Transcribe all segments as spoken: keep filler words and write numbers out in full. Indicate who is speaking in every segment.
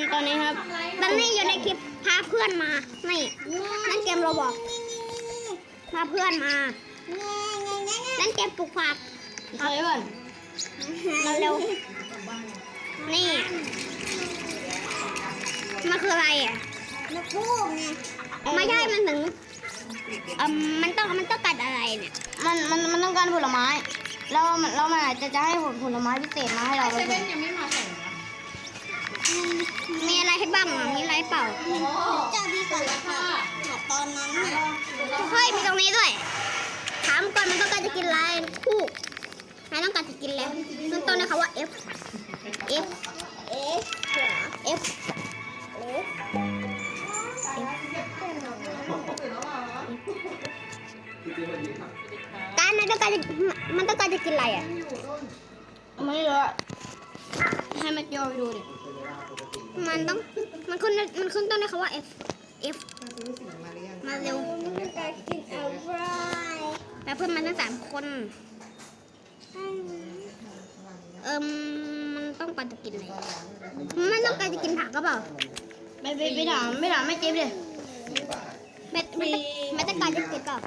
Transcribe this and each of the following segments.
Speaker 1: ตอนนี้ครับตอนนี้อยู่ในคลิปพาเพื่อนมานี่เล่นเกมโรบอกพาเพื่อนมาเล่นเกมปลูกผักเฮ้ยก่อนเราเร็วนี่มันคืออะไรอ่ะมันพูกไงไม่ใช่มันถึงเอ่อมันต้องมันต้องการอะไรเนี่ยมันมันมันต้องการผลไม้แล้วมันแล้วมันอาจจะจะให้ผลผลไม้พิเศษมาให้เราเซเว่นยังไม่มาส่งนะมีอะไรให้บ้างอ่ะมีอะไรเปล่าจะมีก่อนละค่ะตอนนั้นเฮ้ยมีตรงนี้ด้วยถามก่อนมันต้องการจะกินอะไรคู่นายต้องการจะกินแล้วต้นต้นนะคะว่า F F F F การมันต้องการจะมันต้องการจะกินอะไรอ่ะไม่รู้ให้มันย่อไปดูดิมันต้องมันขึ้นมันขึ้นต้นนะคะว่า F F มาเร็วแล้วเพื่อนมันทั้งสามคนเอิมมันต้องการจะกินอะไรมันต้องการจะกินผักก็เปล่าไปไปไปถามไม่ถามไม่เจ็บเลยไม่ไม่ไม่ต้องการจะกินเปล่า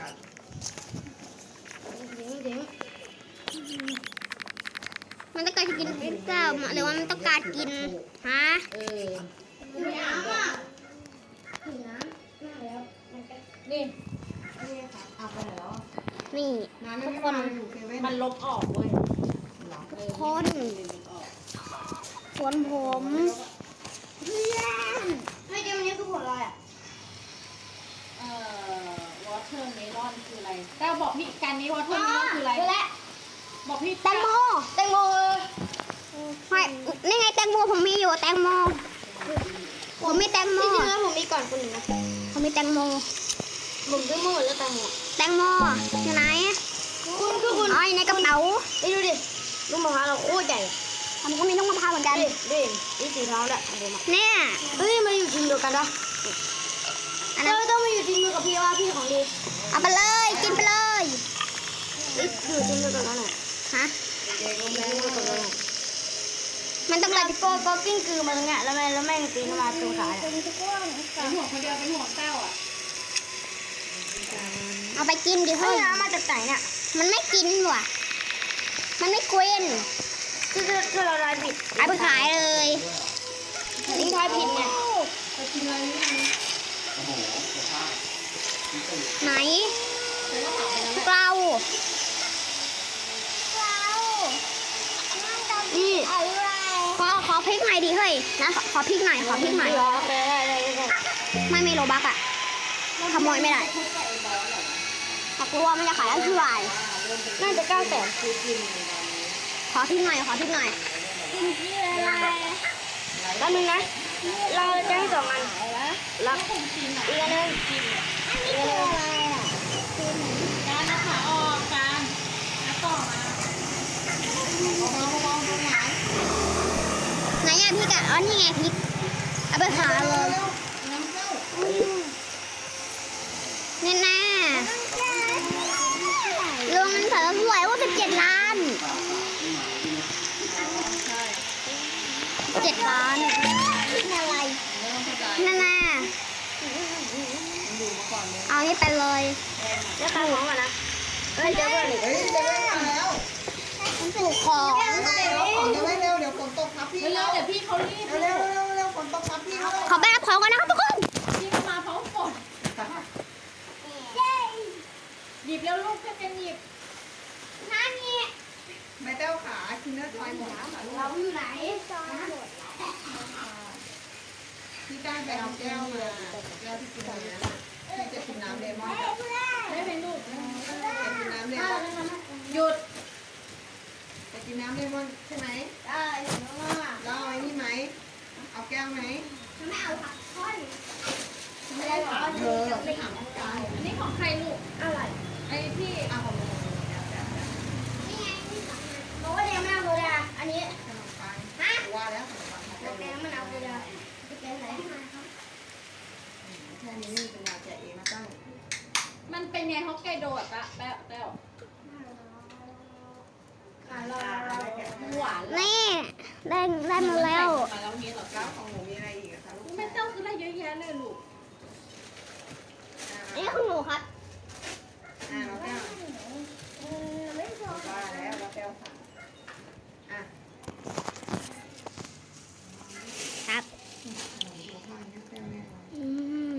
Speaker 1: มันต้องการจะกินพิซซ่าหรือว่ามันต้องการกินฮะเออนี่นี่ทุกคนมันลบออกเว้ยทุกคนสวนผมไม่เดี๋ยวนี้คือผลอะไรอ่ะ
Speaker 2: เอ่อวอเตอร์เมลอนคืออะไรแต่บอกพี่กันนี้วอเตอร์เมลอนคืออะไรบอกพี่
Speaker 1: แตงโมแตงโมไม่นี่ไงแตงโมผมมีอยู่แตงโมผมมีแตงโมที่จริงแล้วผมมีก่อนคนหนึ่งนะผมมีแตงโมผมซื้อมาหมดแล้วแตงโมแตงโมอยู่ไหนคุณคือคุณอ๋อในกระเป๋าไปดูดิลูกมะพร้าวเราโคตรใหญ่ผมก็มีลูกมะพร้าวเหมือนกันดิดินี่สีทองแหละเนี่ยเฮ้ยมาอยู่ทีมเดียวกันปะอันนั้นต้องมาอยู่ทีมเดียวกับพี่ว่าพี่ของดีเอาไปเลยกินไปเลยอยู่ทีมเดียวกันแล้วน่ะฮะมันต้องการโกโก้กิ้งกือมาตรงเนี้ยแล้วแม่แล้วแม่งตีเข้ามาตรงขาเป็น
Speaker 2: ห่วงคนเดียวเป็นห่วงเต้าอ่ะ
Speaker 1: เอาไปกินดิเฮ้ยเอามาจากไหนเนี่ยมันไม่กินว่ะมันไม่กวนคือคือเราลายผิดเอาไปขายเลยลิงทายผิดเนี่ยไหนเรานี่ขอขอพริกหน่อยดิเฮ้ยนะขอพริกหน่อยขอพริกหน่อยไม่มีโลบักอ่ะขโมยไม่ได้ถ้ากลัวมันจะขายอันที่วายน่าจะเก้าแสนขอพริกหน่อยขอพริกหน่อยแป๊บนึงนะเราจะให้สองอันรักอีกอันนึงอีกอันนึง
Speaker 2: การนะคะออกการแล้วต่อมา
Speaker 1: ไหนอะพริกอะอ๋อนี่ไงพริกเอาไปขายเลยนี่แน่ลงเงินเถิดสวยว่าสิบเจ็ดล้านเจ็ดล้านอะไรนั่นแน่เอานี่ไปเลยเลือกของก่อนนะเฮ้ยเจ้าเบอร์หนึ่งมันถูกของ
Speaker 3: เร็วเดี๋ยวฝนตกครับพี่
Speaker 2: เร็วเดี๋ยวพี่เขารีบ
Speaker 3: เร็วเร็วเร็วฝนตกครับพี่
Speaker 1: ขอไปรับของก่อนนะครับทุกคน
Speaker 2: พี่มาพร้อมฝนหยิบแล้วลูกเพื่อนกันหยิบ
Speaker 1: นั่นนี่
Speaker 3: แม่เต้าขาคินเนอร์ทอยหมดแล้ว
Speaker 1: เราอยู่ไหน
Speaker 3: พี่ก้านไปเอาแก้วมาแก้วที่กินน้ำที่จะกินน้ำเลมอน
Speaker 2: ได้เป็นลูก
Speaker 3: จะกินน้ำเลมอน
Speaker 2: หยุด
Speaker 3: จะกินน้ำเลมอนใช่ไหม
Speaker 1: ได้
Speaker 3: แล้วเอาไอ้นี่ไหมเอาแก้วไหม
Speaker 1: ไม่เอาผักทอด
Speaker 3: ไม่ได้หรอเธอไม่ถามกาย
Speaker 2: อันนี้ของใครลูกอะไรไอ้พี่
Speaker 3: เอาของมึง
Speaker 1: นี่ไงบอกว่าเดี๋ยวไม่เอาเลยอ่ะอันนี้
Speaker 3: ขนมปังว่าแล้วขนมปัง
Speaker 1: แล้วแกมันเอาเลยอ่ะแกไหนที่มาครับ
Speaker 3: แค่นี้นี่เป็นยาแกะเองนะตั้ง
Speaker 2: มันเป็นไงฮอกไกโดะปะแป๊วแป๊วหวาน
Speaker 1: นี่ได้ได้มาแล้ว
Speaker 3: แล้วนี้หรอก้าวของหนูมี
Speaker 2: เลยลูก
Speaker 1: นี่คือหนูครับ
Speaker 3: อ่าเราแก้วว่าแล้วเราแก้วสั่งอ่ะ
Speaker 1: ครับ
Speaker 3: หัวข้อนี้แก้วแน่นอน
Speaker 1: อืม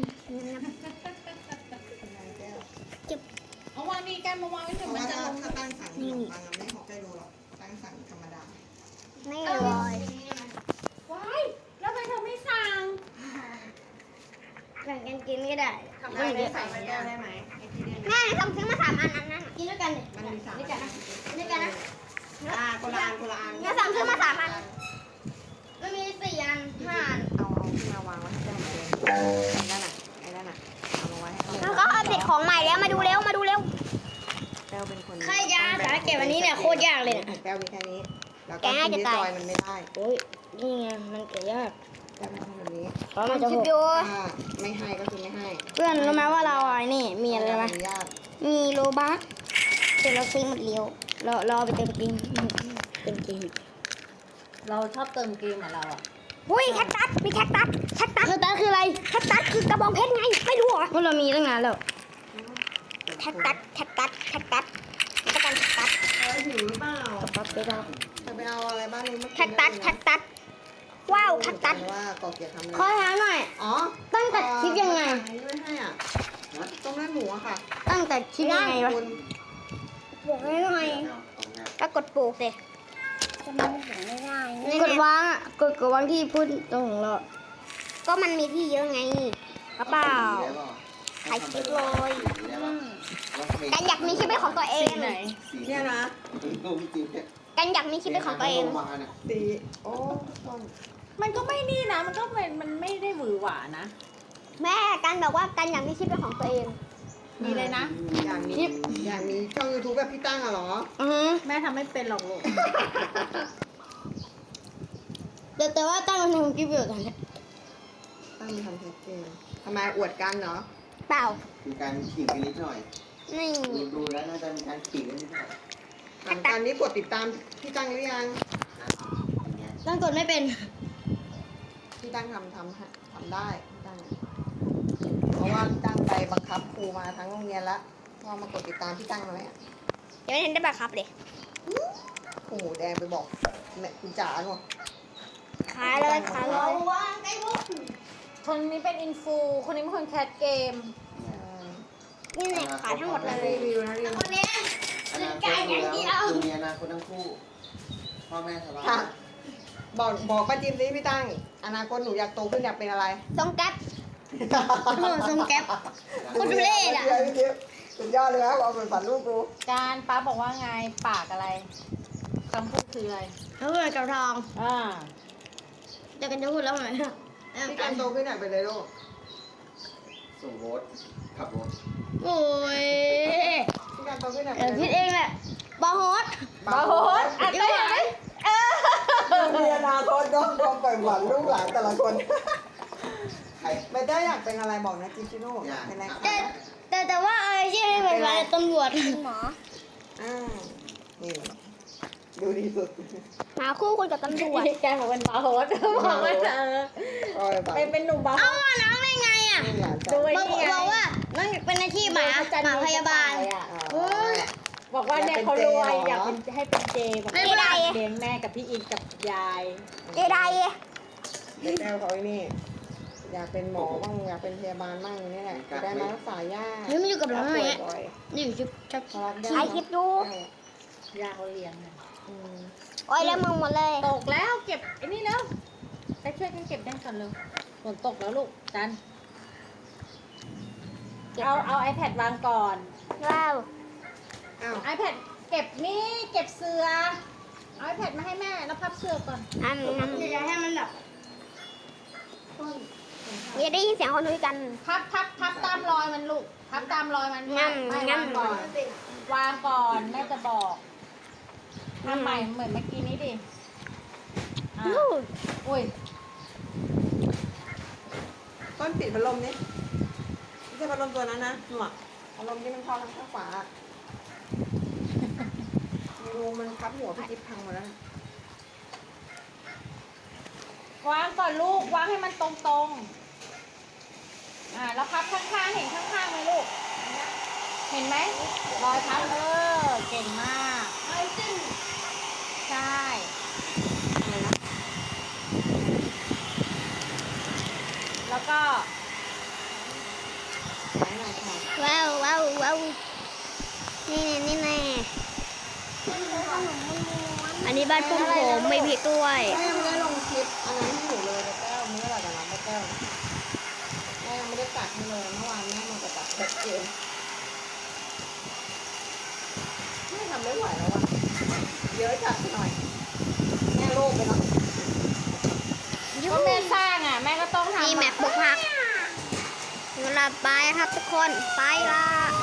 Speaker 3: เป็นไรแก้ว
Speaker 2: เอาวางนี่กันมาวางไว้
Speaker 3: เพ
Speaker 2: เถอะ
Speaker 3: ราะ
Speaker 2: มัน
Speaker 3: ว่า
Speaker 2: จะ
Speaker 3: ถ้า
Speaker 2: ลง
Speaker 3: ถ้าตั้งสั่งขนมปังอะไม่ฮอกไกโดหรอกตั้งสั่งธรรมดา
Speaker 1: ไม่เลย
Speaker 2: ว้ายแล้วทำไมเธอไม่สั่ง
Speaker 1: แบ่งกันกินก็ได้
Speaker 3: ทำได้ไหมใส่ไปแก้วได้ไหมไอ้ที่เนี่ย
Speaker 1: แม่ทำซื้อมาสามอันนั้นนะกินด้วยกันเลย
Speaker 3: มันมีสาม
Speaker 1: นี่กันนะนี่กันนะ
Speaker 3: อ่าคนละอันคนละอัน
Speaker 1: งั้นสั่งซื้อมาสามอัน มันมีสี่อันห้าอัน
Speaker 3: เอาเอาขึ้นมาวางไว้ให้แก้วมันเองไอ้นั่นน่ะไอ้นั่นน่ะเอามาไว้ให้เขา
Speaker 1: แล้วก็อัปเดตของใหม่แล้วมาดูเร็วมาดูเร็ว
Speaker 3: แก้วเป็นคน
Speaker 1: ใครจะสาเก็บอันนี้เนี่ยโคตรยากเลยเนี่ย
Speaker 3: แก้วมีแค่นี้แล้วก็
Speaker 1: แกะ
Speaker 3: กิน
Speaker 1: จะ
Speaker 3: ที่
Speaker 1: ตาย
Speaker 3: ซอยมันไม่ได้
Speaker 1: โอ้ยนี่ไงมันเกิดยาก
Speaker 3: แก้วมันทำแบบนี้
Speaker 1: เพราะมันจะหก
Speaker 3: ถ้าไม่ให้ก็คือไม่ให้
Speaker 1: เพื่อนรู้ไหมว่าเราอ่ะนี่มีอะไรไหม
Speaker 3: อนุญาต
Speaker 1: มีโลบัสเดี๋ยวเราซื้อหมดเร็วเราเราเอาไปเติมเกมเติมเกม
Speaker 2: เราชอบเติมเกมเหมือนเราอ่ะ
Speaker 1: อุ้ยแคคตัสมีแคคตัสแคคตัสแคคตัสคืออะไรแคคตัสคือกระบองเพชรไงไม่รู้เหรอว่าเรามีตั้งนานแล้วแคคตัสแคคตัสแคคตัสมันก็เป็นแคคตัส
Speaker 3: เออหิวหรือเปล่า
Speaker 1: ปั๊บไปแล้ว
Speaker 3: จะไปเอาอะไรบ้างนี้มา
Speaker 1: แคคตัสแคคตัสว้าวแคคตัส
Speaker 3: ว่าก่อเกียรติทำอะไร
Speaker 1: ขอถามหน่อย
Speaker 3: อ๋อ
Speaker 1: ตั้งแต่คลิปยังไง
Speaker 3: อันนี้ไม่ให้อ่ะต้มเลือดหมูอะค่ะ
Speaker 1: ตั้งแต่คลิปยังไงวะ
Speaker 3: คุณ
Speaker 1: บอกให้หน่อยก็กดปลูกสิจะมันถึงไม่ได้กดวางอ่ะกดกดวางที่พูดตรงของเราก็มันมีที่เยอะไงกระเป๋าใครคิดเลยกันอยากมีชีวิตเป็นของตัวเอง
Speaker 3: เนี่ยนะ
Speaker 1: กันอยากมีชีวิตเป็นของตัวเอง
Speaker 3: สีโอ้ต้น
Speaker 2: มันก็ไม่นี่นะ มันก็เป็นมันไม่ได้หวือหวานะ
Speaker 1: แม่กันบอกว่ากันอยากมีชีวิตเป็นของตัวเอง
Speaker 2: มีเลยนะ
Speaker 3: อย่างมีอย่างมีช่องยูทูบแบบพี่ตั้งอะเหรอ
Speaker 1: อือฮึ
Speaker 2: แม่ทำไม่เป็นหรอกลูก
Speaker 1: แต่แต่ว่าตั้งมันทำคลิปอยู่ตอนนี้
Speaker 3: ตั้งมีทำเทสเกมทำไมอวดกันเนาะ
Speaker 1: เปล่า
Speaker 4: มีการขิงกันนิดหน่อย
Speaker 1: นี่
Speaker 4: ดูดูแล้วน่าจะมีการขิงกันนิดหน่อย
Speaker 3: ถามกันนี้กดติดตามพี่ตั้งหรือยัง
Speaker 4: อย่างเงี้ย
Speaker 1: ตั้งกดไม่เป็น
Speaker 3: พี่ตั้งทำทำให้ทำได้พี่ตั้งเพราะว่าพี่ตั้งไปบังคับครูมาทั้งโรงเรียนแล้วว่ามากดติดตามพี่ตั้งเลยอะ
Speaker 1: ยังไม่เห็นได้บังคับเลย
Speaker 3: โอ้โหแดงไปบอกแม่คุณจ๋าเนาะ
Speaker 1: ขายเลยขายเลย
Speaker 2: คนนี้เป็นอินฟู คนนี้เป็นคนแคสเกม
Speaker 1: นี่เนี่ยขายทั้งหมดเลย
Speaker 3: รีวิวนะรีวิว
Speaker 1: คนนี้
Speaker 4: อนาคตดูแล้วคือมีอนาคตทั้งคู่ พ่อแม่สบาย
Speaker 3: ค่ะบอกบอกป้าจิมสิพี่ตั้งอนาคตหนูอยากโตขึ้นอยากเป็นอะไร
Speaker 1: ทรงแก๊ป โอ้ทรงแก๊ป คนดูเลศอะ
Speaker 3: พี่จิ๊บสุดยอดเลยครับเอาเป็นฝันลูกกู
Speaker 2: การป้าบอกว่าไง ปากอะไรคำพูดคืออะไร
Speaker 1: เขาเกิดกับทอง
Speaker 2: อ่า
Speaker 1: จะกันจะพูดแล้วไหม
Speaker 3: พี่การโตขึ้นอยากเป็นอะไรลูก
Speaker 4: ส่งรถ ขับรถ
Speaker 1: โอ้ย
Speaker 3: พี่การโตขึ้นอยาก
Speaker 1: เดี๋
Speaker 3: เป็
Speaker 1: ยวน
Speaker 3: อะไร
Speaker 1: คิดเองแหละบาร์โฮส
Speaker 3: บาร์โฮส
Speaker 2: อ่ะไปไหนเออ
Speaker 3: มีอนาคตก็ต้องไปฝันลูกหลานแต่ละคน
Speaker 4: ใคร
Speaker 3: ไม่ได้อยากเป็นอะไรบอกนะจิชิโน่
Speaker 4: อยาก
Speaker 3: เป็นอะไร
Speaker 1: แต่แต่แต่ว่าอะไรที่ไม่เป็นไรตำรวจหมอ
Speaker 3: อ่านี่ดูดีสุด
Speaker 1: หาคู่คนกับตำรวจ
Speaker 2: แกบอกเป็นบาร์โฮสบอกว่าเออ
Speaker 3: ก็ไปฝัน
Speaker 2: เป็นเป็นหนุ่มบาร์โฮ
Speaker 1: เอ้า
Speaker 2: ส
Speaker 1: น้องได้ไงอ่ะ
Speaker 3: ไม่อยากจะ
Speaker 2: ดูไอ้
Speaker 1: บอก
Speaker 2: นี่ไง
Speaker 1: บอกว่าน้องอยากเป็นอาชีพหมาหมาพยาบาล
Speaker 2: อ่ะ
Speaker 3: เออ
Speaker 2: บอกว่าเนี่ยเขารวยอยากเป็นให้เป็นเจบอก
Speaker 1: ไม่ได้
Speaker 2: เลี้ยงแม่กับพี่อินกับยาย
Speaker 1: เจได
Speaker 3: เด็กแก้วเขาไอ้นี่ อยากเป็นหมอบ้างอยากเป็นพยาบาลบ้างนี่แหละจะได้มารักษาญาติ
Speaker 1: เฮ้ยมันอยู่กับเราไหม
Speaker 3: ป่วยบ่อย
Speaker 1: นี่อยู่ชุบชุบ
Speaker 3: เขารับได้
Speaker 1: ถ่ายคลิปดู
Speaker 2: ยาเขาเลี้ยงเนี่ย
Speaker 3: อืม
Speaker 1: โอ้ยแล้วมึงหมดเลย
Speaker 2: ตกแล้วเก็บไอ้นี่แล้วไปช่วยกันเก็บได้ก่อนเลยฝนตกแล้วลูกจันเอาเอา iPad วางก่อน
Speaker 1: ว้าว
Speaker 3: อ้าว
Speaker 2: iPad เก็บนี่เก็บเสือเอา iPad มาให้แม่แล้วพับเสือก่อน
Speaker 1: อันนั้นอย่าให้มันแบบอย่าได้ยินเสียงคนคุยกัน
Speaker 2: พับพับพับตามรอยมันลูกพับตามรอยมัน
Speaker 1: งั้น
Speaker 2: ไม่
Speaker 1: งั้
Speaker 2: วาน งก่อนวางก่อนแม่จะบอกทำใหม่เหมือนเมื่อกี้นี้ดิอ่ะ
Speaker 1: อู้
Speaker 2: อุ้ย
Speaker 3: ต้นปิดพัดลมนี่ไม่ใช่พัดลมตัวนั้นนะหนวกพัดลมที่มันเข้าทางข้างฝาไม่รู้มันพับหัวพี่จิ๊บพังหมดแล้วนะ
Speaker 2: วางก่อนลูกวางให้มันตรงตรงอ่าแล้วพับข้างๆเห็นข้างๆไหมลูก เห็นไหมรอยพับเออเก่งมากใช่แล้วก็
Speaker 3: ไหนหน่อยค่ะ
Speaker 1: ว้าวว้าวว้าวนี่แน่นี่แน่อันนี้บ้านปุ้มผมไม่พริกด้วย
Speaker 3: แม่ยังไม่ได้ลงคลิปอันนั้นให้หนูเลยแต่แก้วมื้ออะไรกันนะแม่แก้วแม่ยังไม่ได้ตัดให้เลยเมื่อวานแม่มาตัดแบบเกมแม่ทำไม่ไหวแล้วอ่ะเยอะจัดไปหน่อยแม่โลภไปเนาะ
Speaker 2: ก็แม่สร้างอ่ะแม่ก็ต้องทำ
Speaker 1: นี่แม็กบุกพักเวลาไปครับทุกคนไปละ